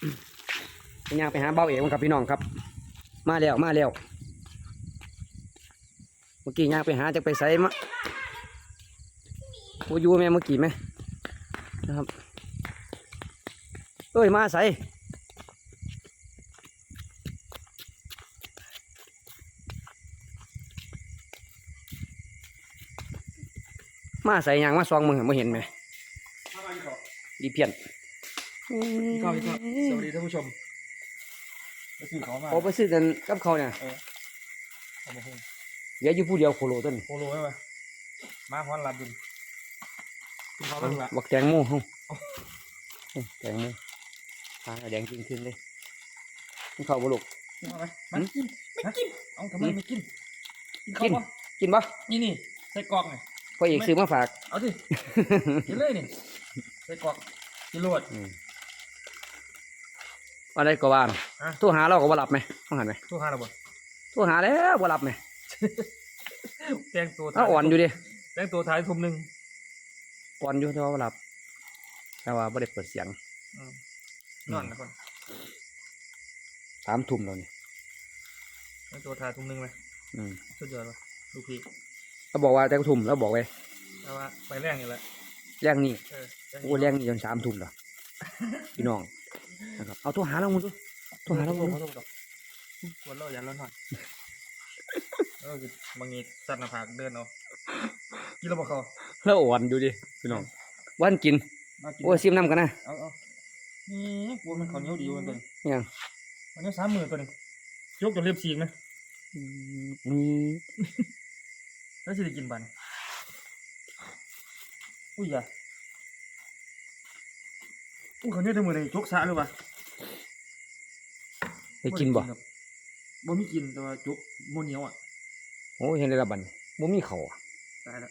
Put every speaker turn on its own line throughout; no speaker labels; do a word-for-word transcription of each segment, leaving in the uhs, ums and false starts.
เป็นยังไปหาเบาเอกกับพี่น้องครับมาแล้วมาแล้วเมื่อกี้ย่างไปหาจะไปใส่มะโอ้ยูแม่เมื่อกี้ไหมนะครับเอ้ยมาใส่มาใส่ยางมาซองมึงไม่เห็นไหมดีเพี้ยน
พี่ข้าวพี่ข้าวสวัสดีท่านผู้ชมไปซื้อเขามา
โอ้ไปซื้อกันกับเขาเนี่ย
เอามาหุ้ม
เดี๋ยวอยู่ผู้เดียวโคโลต้น
โคโลไว้ไหมมาพร้อนรับดุนพี่เขาเลิกละ
บักแตงโมห้องแตงโมหาแดงจริงขึ้นเลยนี่เขาบุลุก
กินเอาไหมมันกินไม่กินเอาทำไมไม่กินกิน
กิน
เขาปะ
กินปะ
นี่นี่ใส่กรอกไง
พ่อเอกซื้อมาฝาก
เอาสิกินเลยนี่ใส่กรอกกินรวด
อะไรก็ว่าตัวหาเราก็บ่รับไหมต้องหันไหม
ตู้ห้าระเบิด
ตัวหาแล้วบ่รับไหม
แตงตัว
ถ้าอ่อนอยู่ดิ
แตงตัวท้ายทุ่มหนึ่ง
อ่อนอยู่แต่ว่าบ่รับแต่ว่าไม่ได้เปิดเสียง
นอนนะคน
สามทุ่มแล้วนี่
แตงตัวท้ายทุ่มหนึ่งเลย
อืม
สุดยอดเลยลูกพี่
เขาบอกว่าแต่ทุ่มแล้วบอกไว้
แต่ว่าไปแรกนี่แหละ
แรงนี่
เออ
โอ้แรงนี่จนสามทุ่มแล้วพี่น้องนะครับเอาตัวหาเราหมดดูตัวหาเราหมด
เขาต้องตกวันเราอย่าร้อนหน่อยแล้วก็บางทีสัตว์หน้าผากเดินเอากินแล้วบอกเขา
แล้วอ่อนอยู่ดิพี่น้องวันกิน
มากิน
โอ้ซิมน้ำกันนะ
เอาเอานี่กลัวมันเขาเหนียวดีวันตัวนี้
ยัง
มันเหนียวสามหมื่นตัวนี้ยกจนเรียบซีกนะ
มี
แล้วจะได้กินบันอุ้ยอย่าอุ้ยเขาเนี่ยได้มือเลยยกสะหรือเปล่า
ไปกินบ่
บ่มีกินแต่ว่าจกโมเหนียวอ่ะ
โอ้เห็นได้ละบัดนบ่มีเขาอะ
ตายแล้ว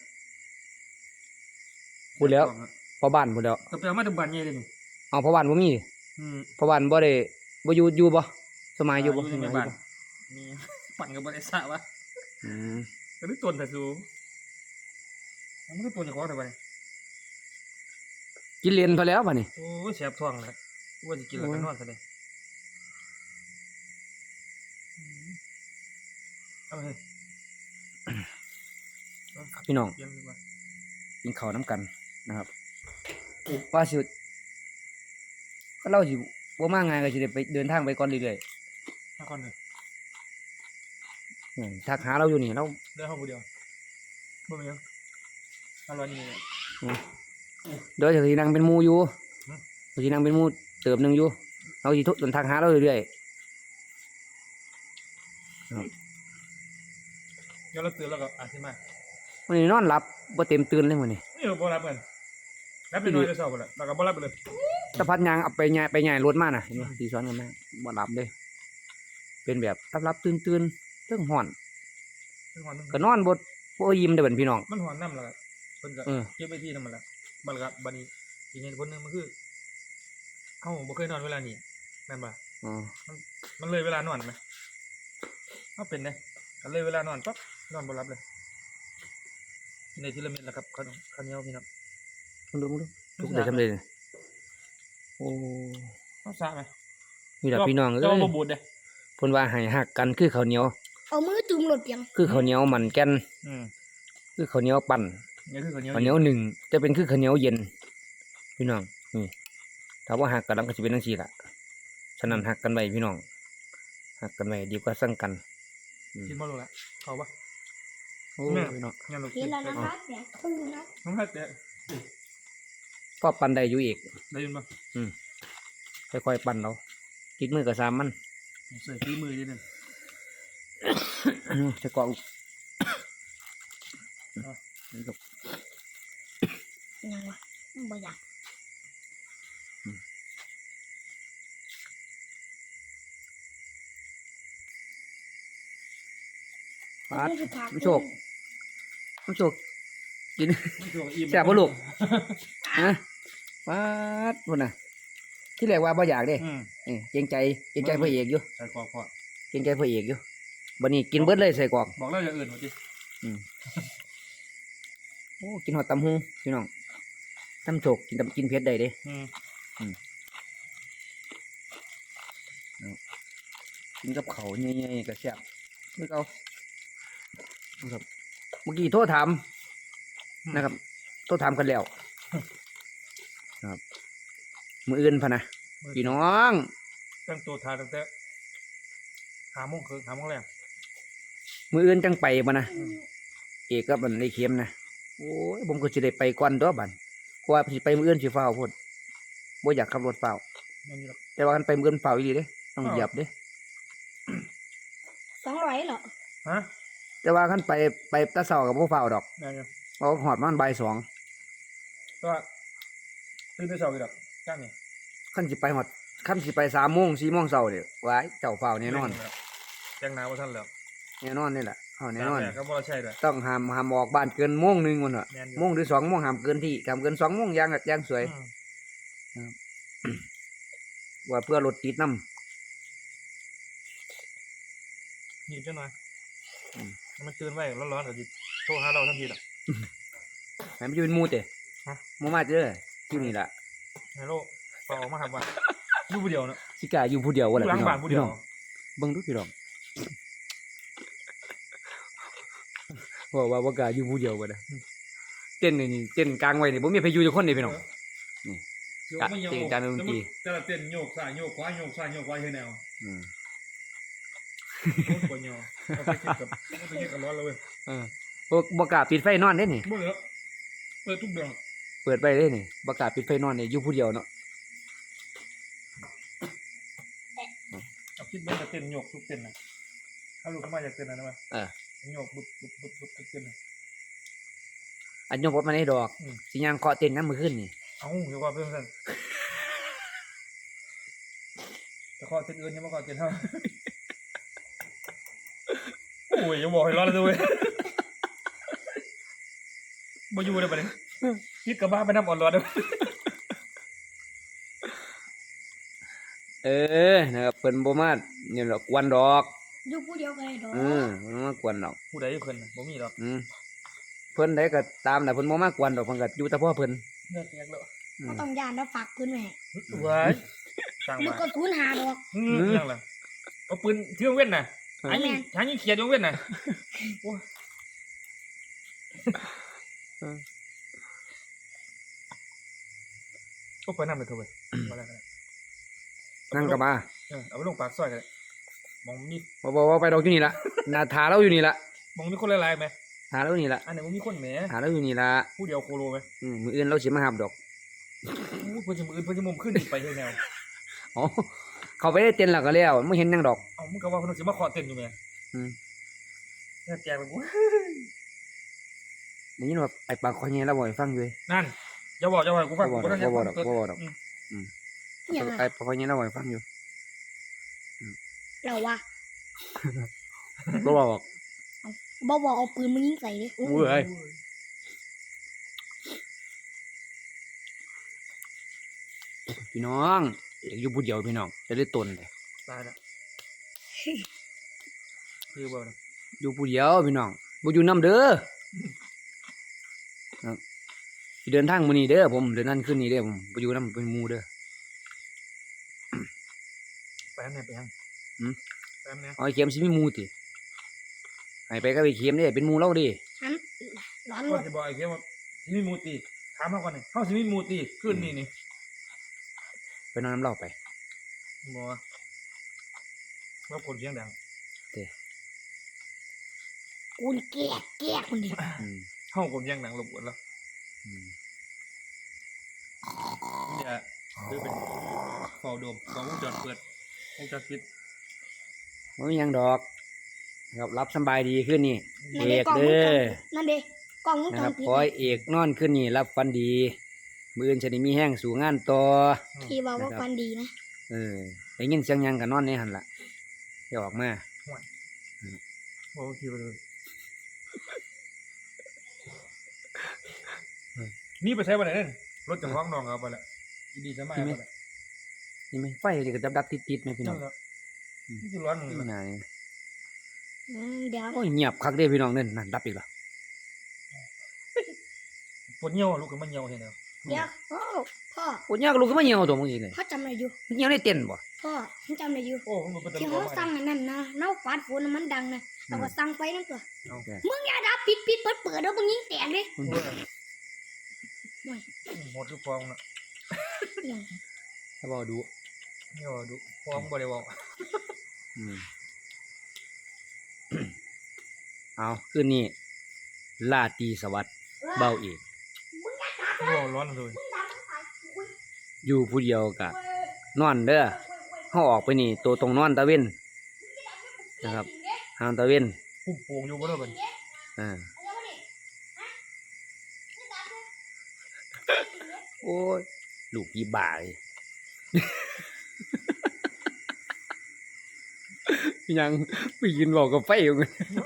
พูดแล้วพอบ้านพูดแล้ว
แต่ไปเอามาถึงบ้านใหญ่เลยนี่
เอาพอบ้านบ่มี
อืม
พอบ้านบ่ได้บ่อยู่อยู่บ่สมัยอยู่บ่
อยู่
ส
ใน
มัยอ
บ้าน
ยู่บ่
มีปั่นกับบริษัทวะ
อืม
แต่นี่ตัวแต่สูงมันก็ตัวอย่างของแต่ไป
กินเลนพอแล้วบัดนี้
โอ้ยแสบท้องเลยว่าจะกินแล้วก็นอนซะเลยเอาไป
พี่น้อง
เยี่ยมดีกว่า
กินข้าวน้ำกันนะครับว่าสิก็เล่าสิบ่มาง่ายก็สิได้ไปเดินทางไปก่อนเรื่อย
ถ้าคนเดียว
ๆอืมทักหาเราอยู่นี่เรา
เดินห้องคนเดียวบ่มียังอร่อยนี่เลย
เดี๋ยวสินั่งเป็นหมู่อยู่
อืม
สินั่งเป็นหมู่เติบหนึงอยู่เราสิเดินทางหาเราเรื่อย
เดี๋ยวเราตื่นแล้วก็อ่านขึ้นมา
ๆวันนี้นอนหลับบ่เต็มตื่นเลยมื้อนี้
นี่เราบ่รับกันรับไปหน่อยจะเศร้าไปแล้วเราก็บ่รับไปเลย
ตะพัดยางเอาไปย้ายไปย้ายรถมาน่ะเห็นบ่ที่สอนกันมาบ่หลับเลยเป็นแบบหลับๆตื่นๆเทิงฮ้อน
มันหอน
ก็นอนบ่บ่ยิ้มเด้อเบิ่นพี่น้อง
มันหอนน้ำแล้วก็เพิ่นก็
เออ
เก็บไว้ที่นั่นมันละมันก็บัดนี้อีกเหตุผลหนึงมันคือเฮาบ่เคยนอนเวลานี้แม่นบ่
อ๋อ
มันเลยเวลานอนไหมเอาเป็นเลยก็เลยเวลานอนปั๊บนอนบ่หลับเลยกินในทีละเม็ดแหละครับข้าวข้าวเหนียวพี่น้อง
มึงดูมึงดูทุกเดือนทำเลยเนี่ยโอ้
เอาสะไหม
มีแต่พี่น้องเอ้
เจ้าย บ่บูดเด้
เพิ่นว่าให้หักกันคือข้าวเหนียว
เอามือจุ่มหลดเพียง
คือข้าวเหนียวมันแก่น
อืม
คือข้าวเหนียวปั่น
นี่คือข้าวเหนียว
ข้าวเหนียวหนึ่งจะเป็นคือข้าวเหนียวเย็น พี่น้องนี่ถ้าว่าหักกันแล้วก็จะเป็นจังซี่ล่ะฉะนั้นหักกันไว้พี่น้องหักกันไว้ดีกว่าสั่งกันอืม
กินบ่รู้ละเข้าปะ
โอ้
แม่
พี่น้อง
งั้นลูก
เห็นแล้วนะคะแดกพึ่งนะ
น้องฮักแต่
ก็ปั่นได้อยู่อีก
ได้ยินบ่
ค่อยๆปั่นเราจิกมือกับสามมัน
ใส่ฝีมือนิดนึง
จะกรอก
ยังวะบ่อยาก
ปาดผู้โชคผู้โชคกิน แซ่บ
บ่
บ่ลูก ฮะปาดพุ่นน่ะ ที่แรกว่าบ่อยากเด้
อืม
นี่เกรงใจเกรงใจพระเอกอยู่
ใส่กรอกพอ
เกรงใจพระเอกอยู่บัดนี้กินเบิดเลยใส่กรอก
บอกแล้วอย่าอื่นว่าติ
โอ้กินหอดตำฮุงพี่น้องตำโชกกินตำกินเผ็ดได้เด้
อืม
กินกับเขาวใหญ่ๆกับแซ่บนึกเอานะครับเมื่อกี้โทรถามนะครับโทรถามกันแล้วครับมืออื่นพะนะพี่น้อง
ตั้งตัวทานตั้งแต่หาโมงคืนหาโมงแรก
มืออื่นจังไปบ่นะเอกกับมันไอ้เข็มนะโอ้ยผมก็สิได้ไปก่อนตัวบัดเพราะว่าสิไปมืออื่นสิฟ้าวโพดบ่อยากขับรถฟ้าว
นั่นอยู่หรอก
แต่ว่ากันไปมืออื่นฟ้าวอีหลีเด้ต้องเหยียบเด้
สองร้อยเหรอ
ฮะ
แต่ว่าคันไปไปแตะเช้าก็บ่ฟ้าวดอก
นั่นอยู่
เพราะฮอดประมาณบ่ายสอง
แต่ว่าตื่นแต่เช้าอยู่หรอกจ้างนี่
คันสิไปฮอดคันสิไปสามโมงสี่โมงเช้านี่ว้ายเจ้าฟ้าวแน่นอน
แจ้งหนาวว่าท่านแล้ว
แน่นอนนี่แหละเอาแน่นอน
ตากดดก็บ่ใช่ด้วย
ต้องห้ามห้ามออกบ้านเกินโมงหนึงพุ่นน่ะ
แม่นอยู่
โมงหรือสองโมงห้ามเกินที่ห้ามเกินสองโมงอย่างก็อย่างสวย
อืม
ว่าเพื่อรถติดนำ
หยิบจังหน่อย
อืม
ให้มันตื่นไว้ร้อนๆเดี๋ยวจิโทรหาเราทันทีล่ะ
ให้มันอยู่เป็นหมู่เด้
ฮะ
หมู่มาเด้ออยู่นี่ล่ะ
ฮัลโหลเปล่าออกมาครับว่าอยู่ผู้เดียวเนาะ
สิกล้าอยู่ผู้เดียวว่า
อยู่
ล่ะ
หลัง
พี่น้
บ้า
อน ง
ผู้เดี
พี่
ยว
น้องเบิ่งดูพี่น้องว่าว่าบ่กล้าอยู่ผู้เดียวบ่ได้เต้นนี่นี่เต้นกลางไว้นี่บ่มีใครอยู่จักคนเด้พี่น้อง
โยก
กะ
ไม่โยก
จริงจังดนตรี
แต่ละเต้นโยกซ้ายโยกขวาโยกซ้ายโยกขวาเฮ็ดแนว
อืม
โคตรปวดโยเอาไปคิดกับเอาไปคิดกับร้อนเลยเว้ย
เออบ่บ่กล้าปิดไฟนอนเด้นี่
บ่เหลือเปิดทุกเดือน
เปิดไว้เด้นี่บ่กล้าปิดไฟนอนนี่อยู่ผู้เดียวเนาะ
เอาคิดเบิ่งกับเต้นโยกทุกเต้นน่ะถ้าลูกเข้ามาอยากเต้นอะไรนะ
เออ
โยกบึบบึบบึบบึบทุกเต้นน่ะ
อันยกรถมาได้ดอก
อืม
สิย่างเคาะเต้นยามมื้อคืนนี่
เอ้าเดี๋ยวว่าเพิ่มสั่นแต่ข้อเต้นอื่นยังบ่ข้อเต้นเท่า โอ้ยอย่าบอกให้ร้อนเลยเว้ยบ่อยู่เลยปะเนี่ยคิดกับบ้าไปน้ำอ่อนร้อนเลย
เออนะครับเพิ่นบ่มาเนี่ยดอกกวนดอก
อยู่ผู้เดียวกันเลยดอก
เออเพิ่นบ่มากวนดอก
ผู้ใดเพิ่นน่ะบ่มีหรอก
อืมเพิ่นได้ก็ตามน่ะเพิ่นบ่มากวนดอกเพิ่นก็อยู่แต่พ่อเพิ่น
เลิกแยกแล้ว
อื
ก็
ม
ต้องยานแล้วฝากปืนไว้ให้
ไว้สร้าง
มัน
มา
ก็ทุนหาดอก
อืมยังล่ะเอาปืนเที่ยวเว้นน่ะหายิงหายิงเขียดอยู่เว้นน่ะโอ้ยก็ไปนำเลยเถอะเว้ยมาแล้วกัน
นั่งก็มา
เออเอาไปลงปากซอยกันเลยมองมี
บ่บ่บ่ไปดอกอยู่นี่ล่ะหน้าทาเราอยู่นี่ล่ะ
มองมีคนหลายๆไหม
หาเราอยู่นี่ล่ะ
อันไหนมันมีคนแหม
หาเราอยู่นี่ล่ะ
ผู้เดียวโคโลไหม
อืมมื้ออื่นเราสิมาหาดอก
อู้เพิ่นจะมืออื่นเพิ่นจะมุมขึ้นอีกไปเฮ็ดแนว
อ๋อเขาไปได้เต้นแล้วก็แล้วบ่เห็นหยังดอก
เอ้ามึงก็ว่าเพิ่นสิมาขอเต้นอยู่แหม
อืม
แค่แจกไปกู
ได้ยินว่าไอ้ปากคอแย่เราบ่ให้ฟังอยู่เว้ย
นั่นอย่าบอกอย่าบอกกูฟัง
บ่
กู
บอก
บ่ได้
บ่บอกดอกบ่บอกดอก
ม
อย่าง
ไอ้
ไร
ปากคอแย่เราบ่ให้ฟังอยู่
เราว่า
บ่บอก
บ่บอกเอาปืนมายิงใส่เลย
เว้ย พี่น้องอยากอยู่ผู้เดียวพี่น้องจะได้ตนเลย
ตายแล้วคือบ่นะ
อยู่ผู้เดียวพี่น้องบ่อยู่นํเด้อครับสิเดินทางมื้อนี้เด้อผมเดินนั่นขึ้นนี่เด้อผมบ่อยู่นํเป็นหมู่เด้อ
ไปทางไหนไปทาง
หืม
ไปทางไหน
เอาไอ้เข็มสิมีหมู่ติให้ไปกับไอ้เข็มเด้เป็นหมู่เราเดิ
อันร้อนหม
ก่อน
ด
สิบอกไอ้เหี้ยว่าสิมีหมูตีถามเฮาก่อนนี่เฮาสิมีหมูตีคืนนี้นี่
ไปนอนน้ำเราไป
บ่ว่าว่าคนเสียงดัง
กูนี่แก้แก้คนเดียว
อืม
เฮาคนเสียงดังรบกวนแล้ว
อืม
เนี่ยคือเป็นเฝ้าโดมกล้องวงจรเปิดวงจรปิด
บ่มีหยังดอกครับรับสำบายดีขึ้นนี่
นั่น
เอ
เด้
ก
กล้องวง
เด้
จ
อ
รปิดนั่นเด้กล้องวง
นะ
จ
ค
ร
รับ
ปิด
ขอให้เอกนอนขึ้นนี่รับฟันดีมื้ออื่นจะได้มีแห้งสู่งานต่อ
ที่ว่าว่าฟันดีนะ
เออได้ยินเสียงหยังก็นอนในหั่นล่ะอย่าออกมา
บ่คิดว่าเลยนี่ไปใช้บ่ได้เด้อรถจะฟ้องน้องเอาไปแล้วอีดีสมัยเอาไปแล้ว
นี่ไหมไฟนี่ก็ดับๆติดๆไหมพี่น้อง
นั่นแหละนี่คือร้อนหนึ่ง
นี่น่านี่
อืมเดี๋ยว
โอ้ยเงียบคักเด้พี่น้องเนั่นนั่นดับอีกแล้ว
ปวดเหี่ยวลูกก็มันเหี่ยวเห็นแล้ว
เดี๋ยวพ่อพ่อ
โอ้ยยากลูกก็มาเหี่ยวตัวมึงอีกเลย
พ่อจำอะไรอยู่
มึงเหี่ยวในเต็นท์บ่
พพ่อฉันจำได้อยู่
โอ้มันเป็นตะ
ที่
ล
เขา
ว
สั่งอันนั้นนะเน่าฟาดฝนน่ะมันดังนะเราก็สั่งไฟนั่นตัว
เอา
มึงอย่าดับปิดปิดเปิดเปิดแล้วมึงยิงแตกเลย
โอ้ยหมดทุกฟองน่ะ
อย่าง
ถ้าบอกดู
นี่ว่าดูฟองบ่ได้บอก
อืม เอาคืนนี้ลาตรีสวัสดิ์เบาเอก
โอ้ร้อนเลย
อยู่ผู้เดียวกะนอนเด้อเขาออกไปนี่ตัวตรงนอนตะเว้นนะครับหางตะเว้น
ปุ่มโป่งอยู่บ่ได้เป็น
อ่าโอ้ยลูกยี่บ่าเลย ยังไปยืนบอกกับไฟอยู่ไง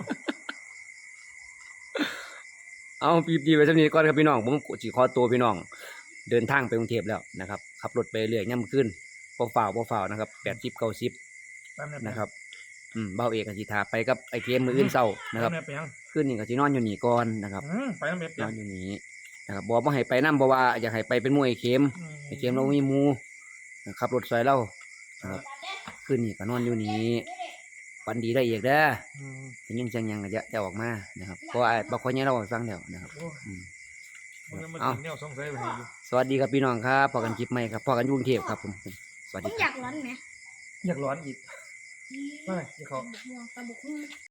เอาปีบดีไปสักนิดก่อนครับพี่น้องผมจีขอตัวพี่น้อง เดินทางไปกรุงเทพแล้วนะครับขับรถไปเรื่อยย่ำขึ้นบ่ฝ่าวบ่ฝ่าวนะครับแปดสิบเก้าสิบ
แป๊บนึง
นะครับอืมเบ้าเอกกับสิทาไปกับไอเกมมืออื่นเศร้านะครับ
แป๊บนึงไปยัง
ขึ้นนี่ก็สินอนอยู่นี่ก่อนนะครับ
อืมไปน้ำเม็ด
น
ยั
อง นอยู่นี่นะครับบอกว่าให้ไปนั่เพราะว่าอยากให้ไปเป็นหมวยไอเกมไอเกมเรามีหมูขับรถซอยเรานะครับขึ้นนี่ก็นอนอยู่นี่วันดีได้อีกเด้อ
อืม
จะยินเสียงหยังก็จะจะออกมานะครับเพราะว่าบางคนเนี่ยเราให้ฟังแล้วนะครับ
โอ้ย
อืม
มันยังมา
เอา
กินเนี่ยสงสัยไปให้อยู่
สวัสดีครับพี่น้องครับพอกันคลิปใหม่ครับพอกันอยู่กรุงเทพครับผมสวัส
ผ
ดี
ม
ค
อ
รับ
ยากร้อนไหม
อยากร้อนอีกไม่ที่เขา
ตะบุกหุ่ง